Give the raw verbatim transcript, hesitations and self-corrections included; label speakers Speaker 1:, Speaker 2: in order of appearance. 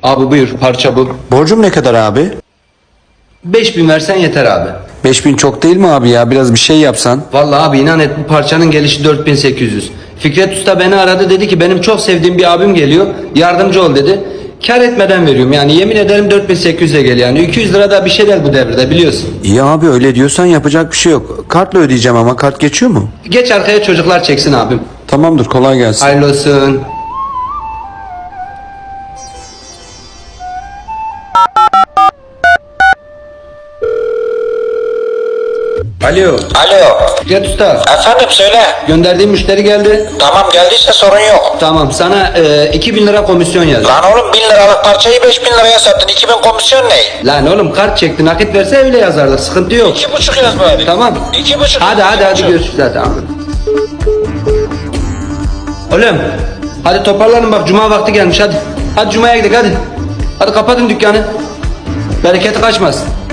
Speaker 1: Abi buyur, parça bu.
Speaker 2: Borcum ne kadar abi?
Speaker 1: beş bin versen yeter abi.
Speaker 2: beş bin çok değil mi abi ya? Biraz bir şey yapsan.
Speaker 1: Vallahi abi inan et, bu parçanın gelişi dört bin sekiz yüz. Fikret Usta beni aradı, dedi ki benim çok sevdiğim bir abim geliyor, yardımcı ol dedi. Kar etmeden veriyorum yani, yemin ederim dört bin sekiz yüze geliyor yani. iki yüz lira da bir şey değil bu devirde, biliyorsun.
Speaker 2: İyi abi, öyle diyorsan yapacak bir şey yok. Kartla ödeyeceğim ama kart geçiyor mu?
Speaker 1: Geç arkaya, çocuklar çeksin abim.
Speaker 2: Tamamdır, kolay gelsin.
Speaker 1: Hayırlı olsun. Alo.
Speaker 3: Alo.
Speaker 1: Fikret Usta,
Speaker 3: Efendim söyle.
Speaker 1: gönderdiğim müşteri geldi.
Speaker 3: Tamam, geldiyse sorun yok.
Speaker 1: Tamam, sana e, iki bin lira komisyon yazdım.
Speaker 3: Lan oğlum, bin liralık parçayı beş bin liraya sattın. iki bin komisyon ne?
Speaker 1: Lan oğlum, kart çekti, nakit verse öyle yazardık, sıkıntı yok.
Speaker 3: İki buçuk yaz bari.
Speaker 1: Tamam.
Speaker 3: İki buçuk.
Speaker 1: Hadi hadi
Speaker 3: iki
Speaker 1: hadi
Speaker 3: buçuk.
Speaker 1: görüşürüz hadi abi. Oğlum hadi toparlanın, bak cuma vakti gelmiş, hadi. Hadi cumaya gidelim hadi. Hadi kapatın dükkanı. Bereketi kaçmasın.